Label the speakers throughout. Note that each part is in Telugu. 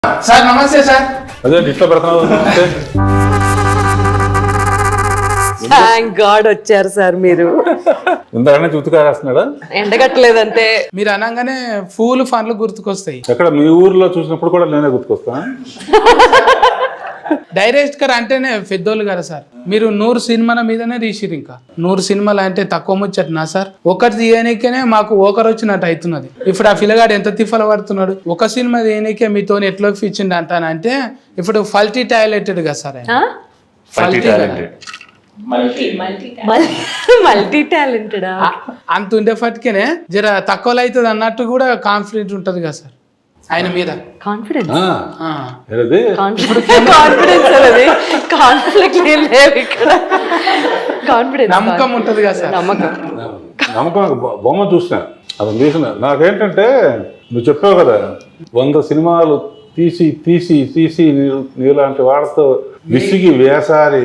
Speaker 1: సార్ నమస్తే సార్.
Speaker 2: అదే ఇట్లా పెడుతున్నావు.
Speaker 3: థ్యాంక్ గాడ్ వచ్చారు సార్ మీరు.
Speaker 2: ఇంతకన్నా చూతుకారేస్తున్నాడా?
Speaker 3: ఎండగట్టలేదంటే
Speaker 1: మీరు అనగానే పూలు ఫన్లు గుర్తుకొస్తాయి.
Speaker 2: ఎక్కడ మీ ఊర్లో చూసినప్పుడు కూడా నేనే గుర్తుకొస్తా.
Speaker 1: డైరెక్టర్ అంటేనే పెద్దోళ్ళు కదా సార్. మీరు 100 సినిమాల మీదనే తీసిరు. ఇంకా 100 సినిమాలు అంటే తక్కువ ముచ్చట్నా సార్? ఒకటి తీయనికేనే మాకు ఒకరు వచ్చినట్టు అవుతున్నది. ఇప్పుడు ఆ పిల్లగాడు ఎంత తిఫల పడుతున్నాడు. ఒక సినిమా తీయనికే మీతో ఎట్లోకి ఇచ్చిండు అంటానంటే ఇప్పుడు ఫల్టీ టాయిలెటెడ్ కదా సార్.
Speaker 3: మల్టీ టాలెంటెడా?
Speaker 1: అంత ఉండేపటికేనే జర తక్కువలో అవుతుంది అన్నట్టు కూడా కాన్ఫిడెంట్ ఉంటది కదా సార్ ఆయన మీద.
Speaker 3: కాన్ఫిడెన్స్ కాన్ఫ్లిక్ట్ లేవు ఇక్కడ. కాన్ఫిడెన్స్
Speaker 1: నమ్మకం ఉంటది కదా సార్.
Speaker 2: నమ్మకం బొమ్మ చూసిన అది తీసిన. నాకేంటంటే నువ్వు చెప్పావు కదా 100 సినిమాలు తీసి తీసి తీసి నీలాంటి వాళ్ళతో విసిగి వేసారి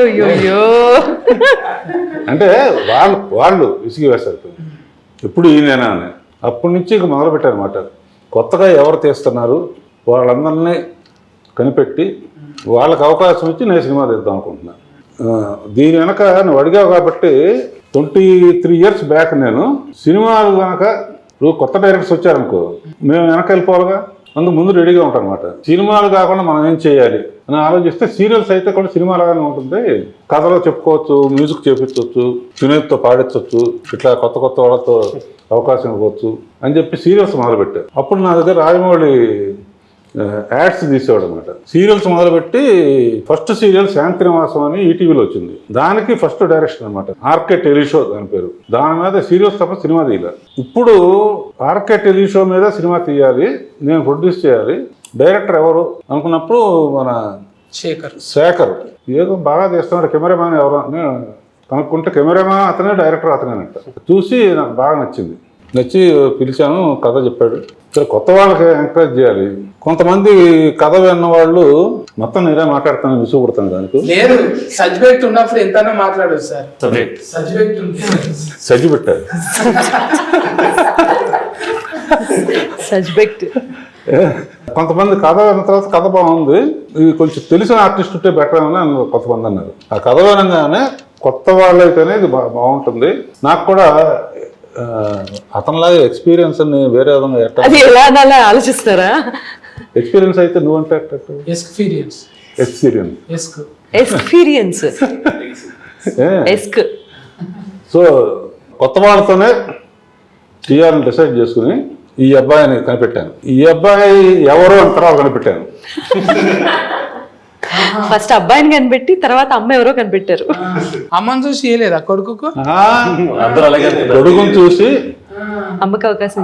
Speaker 2: అంటే వాళ్ళు విసిగి వేసారు. ఎప్పుడు ఈయనేనా అని అప్పటి నుంచి ఇక మొదలు పెట్టారనమాట. కొత్తగా ఎవరు తీస్తున్నారు వాళ్ళందరినీ కనిపెట్టి వాళ్ళకి అవకాశం ఇచ్చి నేను సినిమా తీద్దాం అనుకుంటున్నాను. దీని వెనక నువ్వు అడిగావు కాబట్టి 23 years బ్యాక్ నేను సినిమాలు కనుక ఇప్పుడు కొత్త డైరెక్టర్స్ వచ్చారనుకో మేము వెనక వెళ్ళిపోవాలిగా. అందుకు ముందు రెడీగా ఉంటాం అనమాట. సినిమాలు కాకుండా మనం ఏం చేయాలి అని ఆలోచిస్తే సీరియల్స్ అయితే కూడా సినిమా లాగానే ఉంటుంది. కథలో చెప్పుకోవచ్చు, మ్యూజిక్ చేపించవచ్చు, సునీత్తో పాడించవచ్చు, ఇట్లా కొత్త కొత్త వాళ్ళతో అవకాశం ఇవ్వచ్చు అని చెప్పి సీరియల్స్ మొదలుపెట్టారు. అప్పుడు నా దగ్గర రాజమౌళి యాడ్స్ తీసేవాడు అనమాట. సీరియల్స్ మొదలుపెట్టి ఫస్ట్ సీరియల్ శాంతినివాసం అని ఈటీవీలో వచ్చింది. దానికి ఫస్ట్ డైరెక్షన్ అనమాట. ఆర్కే టెలిషో దాని పేరు. దాని మీద సీరియల్స్ తప్ప సినిమా తీయాలి. ఇప్పుడు ఆర్కే టెలిషో మీద సినిమా తీయాలి, నేను ప్రొడ్యూస్ చేయాలి. డైరెక్టర్ ఎవరు అనుకున్నప్పుడు మన శేఖర్ ఏదో బాగా తీస్తున్నాడు. కెమెరామ్యాన్ ఎవరు అని కనుక్కుంటే కెమెరామ్యాన్ అతనే, డైరెక్టర్ అతనేనంట. చూసి నాకు బాగా నచ్చి పిలిచాను. కథ చెప్పాడు. సరే కొత్త వాళ్ళకి ఎంకరేజ్ చేయాలి. కొంతమంది కథ విన్న వాళ్ళు మొత్తం నేనే మాట్లాడుతాను, విసుగుపడతాను. దానికి
Speaker 1: లేదు సబ్జెక్ట్ ఉన్నప్పుడు ఎంతైనా మాట్లాడదు సార్.
Speaker 2: సజ్జి పెట్టారు. కొంతమంది కథ విన్న తర్వాత కథ బాగుంది, ఇది కొంచెం తెలిసిన ఆర్టిస్ట్ ఉంటే బెటర్ అని కొంతమంది అన్నారు. ఆ కథ వినగానే కొత్త వాళ్ళైతేనే ఇది బాగుంటుంది. నాకు కూడా అతనిలాగా ఎక్స్పీరియన్స్ అని వేరే విధంగా
Speaker 3: ఎలా ఆలోచిస్తారా?
Speaker 2: ఎక్స్పీరియన్స్ అయితే నువ్వంటే సో కొత్త వాళ్ళతోనే చేయాలని డిసైడ్ చేసుకుని ఈ అబ్బాయిని కనిపెట్టాను. ఈ అబ్బాయి ఎవరు అని తర్వాత కనిపెట్టాను.
Speaker 3: ఫస్ట్ అబ్బాయిని కనిపెట్టి తర్వాత అమ్మ ఎవరో కనిపెట్టారు.
Speaker 1: అమ్మని చూసి చేయలేదా కొడుకుకు?
Speaker 2: కొడుకుని చూసి
Speaker 3: అమ్మకి అవకాశం.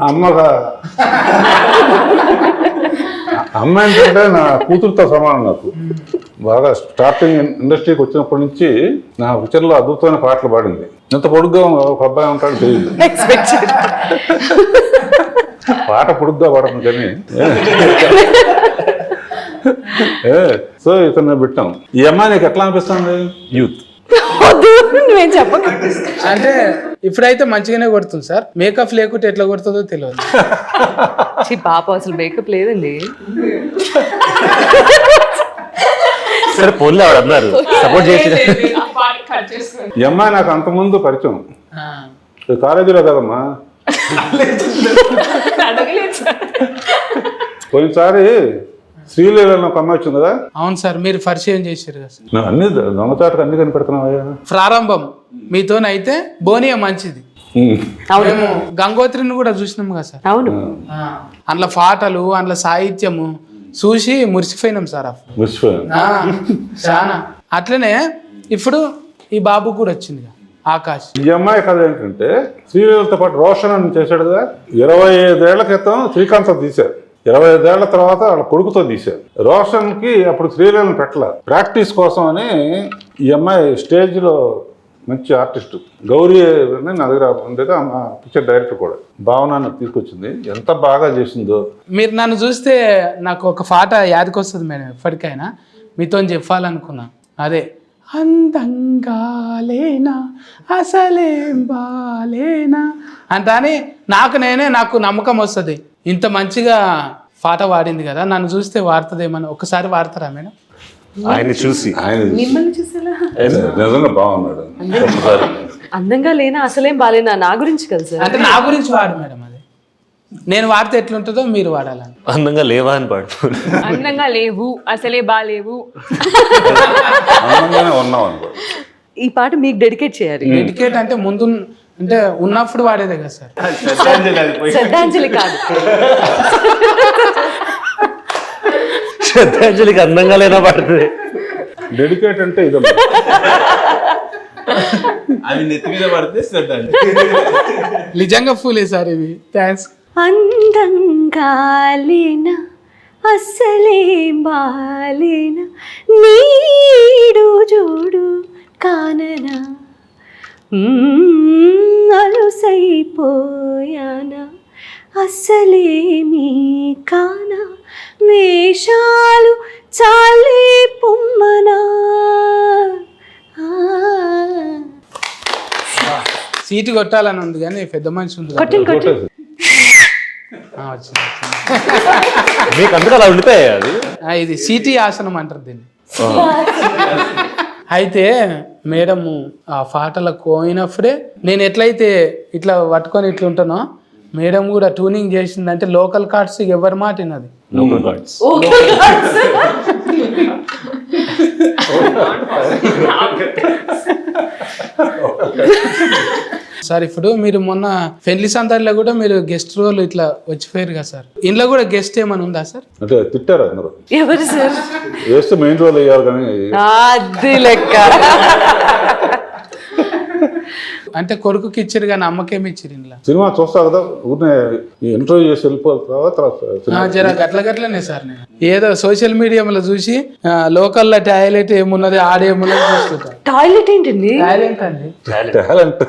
Speaker 2: అమ్మ ఏంటంటే నా కూతురుతో సమానం. నాకు బాగా స్టార్టింగ్ ఇండస్ట్రీకి వచ్చినప్పటి నుంచి నా పిక్చర్లో అద్భుతమైన పాటలు పాడింది. ఎంత పొడుగ్గా ఒక అబ్బాయి ఉంటాడు తెలియదు. పాట పొడుగ్గా పాడను కానీ సో ఇతను పెట్టాం. ఈ అమ్మాయి నీకు ఎట్లా అనిపిస్తుంది? యూత్
Speaker 1: అంటే ఇప్పుడైతే మంచిగానే కొడుతుంది సార్. మేకప్ లేకుంటే ఎట్లా కొడుతుందో తెలియదు.
Speaker 3: పాప అసలు మేకప్ లేదండి.
Speaker 4: సరే పోన్లే ఆవిడ అన్నారు సపోర్ట్ చేసి.
Speaker 2: ఈ అమ్మాయి నాకు అంతకుముందు పరిచయం కాలేజీలో కదమ్మా. పోయినసారి శ్రీలీల ఒక అమ్మాయి వచ్చింది కదా.
Speaker 1: అవును సార్, మీరు పరిచయం చేశారు కదా సార్.
Speaker 2: అన్ని దొంగచాటుకు అన్ని కనిపెడుతున్నావా?
Speaker 1: ప్రారంభం మీతోనైతే బోనియా మంచిది. మేము గంగోత్రిని కూడా చూసినాం కదా సార్.
Speaker 3: అవును,
Speaker 1: అందులో పాటలు, అందులో సాహిత్యము చూసి మురిసిపోయినాం సార్. చాలా అట్లనే ఇప్పుడు ఈ బాబు కూడా వచ్చింది ఆకాష్.
Speaker 2: ఈ అమ్మాయి కథ ఏంటంటే శ్రీలీలతో పాటు రోషన్ అని చేశాడు కదా. 25 ఏళ్ల క్రితం శ్రీకాంత్ తీశారు. 25 ఏళ్ల తర్వాత వాళ్ళ కొడుకుతో తీశారు. రోషన్కి అప్పుడు శ్రీలీలను పెట్టాల ప్రాక్టీస్ కోసం అని ఈ అమ్మాయి స్టేజ్లో మంచి ఆర్టిస్ట్ గౌరీ అని నా దగ్గర ఉండేది. పిక్చర్ డైరెక్టర్ కూడా భావనాన్ని తీసుకొచ్చింది. ఎంత బాగా చేసిందో.
Speaker 1: మీరు నన్ను చూస్తే నాకు ఒక పాట యాదకొస్తుంది మేడం. ఎప్పటికైనా మీతో చెప్పాలనుకున్నా అదే. అందంగా లేనా అసలేం బాలేనా అంట అని నాకు నమ్మకం వస్తుంది. ఇంత మంచిగా పాట వాడింది కదా, నన్ను చూస్తే వాడుతుందేమని ఒకసారి వాడతారా మేడం?
Speaker 4: ఆయన్ని చూసి
Speaker 2: ఆయన
Speaker 3: మిమ్మల్ని చూసేలా
Speaker 2: నిజంగా బాగున్నాడు.
Speaker 3: అందంగా లేనా అసలేం బాలేనా నా గురించి కదా సార్.
Speaker 1: అంటే నా గురించి వాడు మేడం, అది నేను వాడితే ఎట్లుంటుందో మీరు వాడాలని.
Speaker 4: అందంగా లేవా అని పాడు.
Speaker 5: అందంగా లేవు, అసలే బాలేవు.
Speaker 2: అందంగానే ఉన్నాం అనుకో.
Speaker 3: ఈ పాట మీకు డెడికేట్ చేయాలి.
Speaker 1: డెడికేట్ అంటే ముందు అంటే ఉన్నప్పుడు వాడేదే కదా సార్.
Speaker 3: శ్రద్ధాంజలి కాదు.
Speaker 4: శ్రద్ధాంజలికి అందంగా లేనా పాడుతుంది.
Speaker 2: డెడికేట్ అంటే ఇదే.
Speaker 6: అవి నెత్తి మీద పడితే శ్రద్ధ అండి.
Speaker 1: నిజంగా ఫూలే సార్ ఇవి. థ్యాంక్స్.
Speaker 3: అందంగా లేనా అసలే బాలేనా నీడు జోడు కాననా అలుసైపోయానా అసలేమీ కానా వేషాలు చాలే పొమ్మనా.
Speaker 1: సీటు కొట్టాలని ఉంది కానీ పెద్ద మనిషి ఉంది కదా.
Speaker 3: కొట్టండి కొట్టండి.
Speaker 1: వచ్చింది.
Speaker 4: మీకు అందుకు అలా ఉండిపోయాయి అది.
Speaker 1: ఇది సీటీ ఆసనం అంటారు దీన్ని. అయితే మేడము ఆ పాటలకు పోయినప్పుడే నేను ఎట్లయితే ఇట్లా పట్టుకొని ఇట్లా ఉంటానో, మేడం కూడా ట్యూనింగ్ చేసిందంటే లోకల్ కార్డ్స్ ఎవరి మాట విన్నది.
Speaker 4: Local God's.
Speaker 1: సార్ ఇప్పుడు మీరు మొన్న పెళ్లి సందర్లో కూడా మీరు గెస్ట్ రోల్ ఇట్లా వచ్చిపోయారు కదా సార్, ఇంట్లో కూడా గెస్ట్ ఏమైనా ఉందా సార్?
Speaker 2: అంటే తిట్టారు అందరూ.
Speaker 3: ఎవరు సార్?
Speaker 2: వేస్తే మెయిన్ రోల్ అయ్యారు కానీ
Speaker 3: అది లెక్క.
Speaker 1: అంటే కొడుకుకి ఇచ్చారు కానీ అమ్మకేమి ఇచ్చారు ఇంట్లో?
Speaker 2: సినిమా చూస్తా కదా, ఊరినే ఇంటర్వ్యూ చేసి వెళ్ళిపోతావా తర్వాత
Speaker 1: జర గట్లనే సార్. నేను ఏదో సోషల్ మీడియాలో చూసి లోకల్లో టాయిలెట్ ఏమున్నది ఆడేమున్నది చూస్తుంటా.
Speaker 3: టాయిలెట్ ఏంటండి?
Speaker 1: టాయిలెట్ అండి,
Speaker 2: టాలెంట్.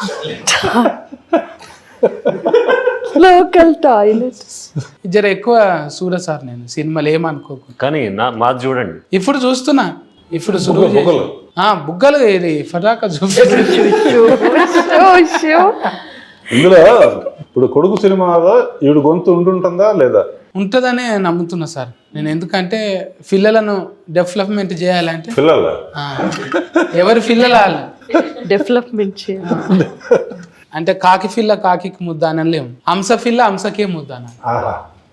Speaker 3: Local toilet.
Speaker 1: జర ఎక్కువ చూడ సార్ నేను సినిమాలు, ఏమనుకోకు.
Speaker 4: కానీ మాది చూడండి.
Speaker 1: ఇప్పుడు చూస్తున్నా, ఇప్పుడు సులువు
Speaker 2: బుగ్గలు.
Speaker 1: బుగ్గలు ఇది ఫటాకా చూపించు.
Speaker 2: ఇందులో ఇప్పుడు కొడుకు సినిమాలో ఈవిడ గొంతు ఉంటుందా లేదా?
Speaker 1: ఉంటుందనే నమ్ముతున్నా సార్ నేను. ఎందుకంటే పిల్లలను డెవలప్మెంట్ చేయాలంటే
Speaker 2: పిల్లల
Speaker 1: ఎవరి పిల్లలు
Speaker 3: డెవలప్మెంట్ చేయాలి
Speaker 1: అంటే కాకి పిల్ల కాకి ముద్ద అని లేము, హంస పిల్ల హంసకే ముద్ద అని.
Speaker 2: ఆహా.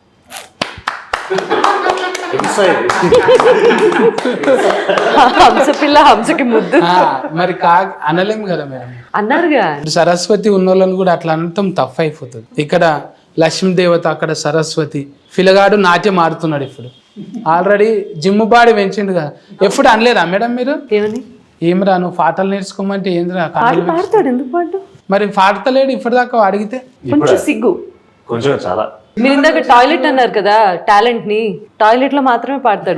Speaker 3: హంస పిల్ల హంసకి ముద్దు
Speaker 1: మరి కాకి అనలేము కదా మేడం.
Speaker 3: అన్నారుగా.
Speaker 1: ఇప్పుడు సరస్వతి ఉన్నోళ్ళని కూడా అట్లా అనటం తప్పు అయిపోతుంది. ఇక్కడ లక్ష్మీదేవత, అక్కడ సరస్వతి. పిల్లగాడు నాట్యం ఆడుతున్నాడు ఇప్పుడు, ఆల్రెడీ జిమ్ బాడీ పెంచిండు కదా. ఎప్పుడు అనలేదా మేడం మీరు?
Speaker 3: ఏమని?
Speaker 1: ఏమిరా నువ్వు పాటలు నేర్చుకోమంటే ఏందిరా?
Speaker 3: పాడతాడు, ఎందుకు పాడు?
Speaker 1: మరి పాడతలేడు ఇప్పటిదాకా అడిగితే.
Speaker 3: కొంచెం సిగ్గు,
Speaker 4: కొంచెం చాలా.
Speaker 3: మీరు ఇందాక టాయిలెట్ అన్నారు కదా, టాలెంట్ ని టాయిలెట్ లో మాత్రమే పాడతాడు.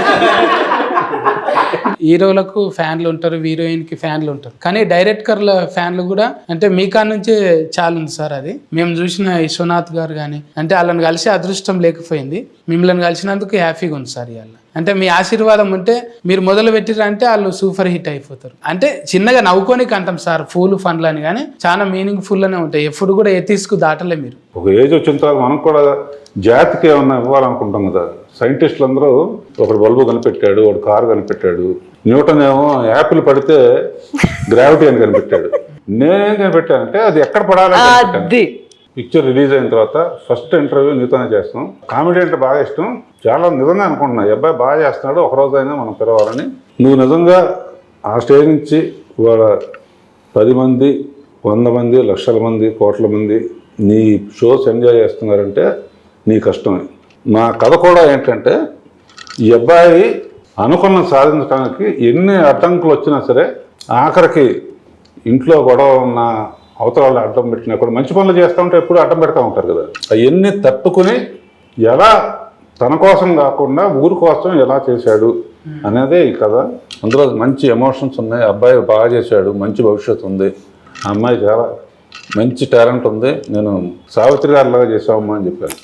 Speaker 1: హీరోలకు ఫ్యాన్లు ఉంటారు, హీరోయిన్ కి ఫ్యాన్లు ఉంటారు, కానీ డైరెక్టర్ల ఫ్యాన్లు కూడా అంటే మీ కాడ నుంచే చాలా ఉంది సార్. అది మేము చూసిన విశ్వనాథ్ గారు కానీ, అంటే వాళ్ళని కలిసి అదృష్టం లేకపోయింది, మిమ్మల్ని కలిసినందుకు హ్యాపీగా ఉంది సార్. ఇవాళ అంటే మీ ఆశీర్వాదం ఉంటే మీరు మొదలు పెట్టిరంటే వాళ్ళు సూపర్ హిట్ అయిపోతారు. అంటే చిన్నగా నవ్వుకోనికి అంటాం సార్ ఫూల్ ఫన్లు అని, కానీ చాలా మీనింగ్ ఫుల్ అనే ఉంటాయి. ఎప్పుడు కూడా ఎత్తిసుకు దాటలే మీరు.
Speaker 2: ఒక ఏజ్ వచ్చిన తర్వాత మనం కూడా జాతికి ఏమన్నా ఇవ్వాలనుకుంటాం కదా. సైంటిస్టులు అందరూ ఒకడు బల్బు కనిపెట్టాడు, ఒకడు కారు కనిపెట్టాడు, న్యూటన్ ఏమో యాపిల్ పడితే గ్రావిటీ అని కనిపెట్టాడు. నేనేం కనిపెట్టానంటే అది ఎక్కడ పడాలి. పిక్చర్ రిలీజ్ అయిన తర్వాత ఫస్ట్ ఇంటర్వ్యూ నీతోనే చేస్తాం. కామెడీ అంటే బాగా ఇష్టం, చాలా నిజంగా అనుకుంటున్నా ఈ అబ్బాయి బాగా చేస్తున్నాడు, ఒకరోజైనా మనం పిలవాలని. నువ్వు నిజంగా ఆ స్టేజ్ నుంచి ఇవాళ 10 మంది, 100 మంది, లక్షల మంది, కోట్ల మంది నీ షోస్ ఎంజాయ్ చేస్తున్నారంటే నీ కష్టమే. నా కథ కూడా ఏంటంటే ఈ అబ్బాయి అనుకున్న సాధించడానికి ఎన్ని అడ్డంకులు వచ్చినా సరే, ఆఖరికి ఇంట్లో గొడవ ఉన్న అవతరాలు అడ్డం పెట్టినా కూడా, మంచి పనులు చేస్తూ ఉంటే ఎప్పుడు అడ్డం పెడతా ఉంటారు కదా, అవన్నీ తట్టుకుని ఎలా తన కోసం కాకుండా ఊరి కోసం ఎలా చేశాడు అనేదే ఈ కథ. అందులో మంచి ఎమోషన్స్ ఉన్నాయి. అబ్బాయి బాగా చేశాడు, మంచి భవిష్యత్తు ఉంది. ఆ అమ్మాయి చాలా మంచి టాలెంట్ ఉంది. నేను సావిత్రి గారిలాగా చేసావమ్మా అని చెప్పాను.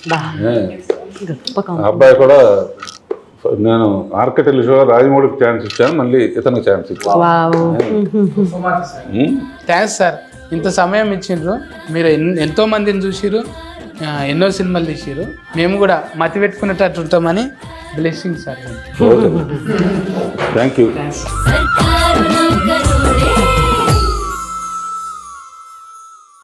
Speaker 2: ఆ అబ్బాయి కూడా నేను ఆర్కిటెక్ట్ షో రాజమౌళికి ఛాన్స్ ఇచ్చాను, మళ్ళీ ఇతనికి ఛాన్స్ ఇచ్చాను.
Speaker 1: Thanks sir. ఇంత సమయం ఇచ్చిండ్రు. మీరు ఎంతో మందిని చూసిరు, ఎన్నో సినిమాలు తీసిరు. మేము కూడా మతి పెట్టుకునేటట్టు ఉంటామని బ్లెస్సింగ్ సార్.
Speaker 2: Thank you.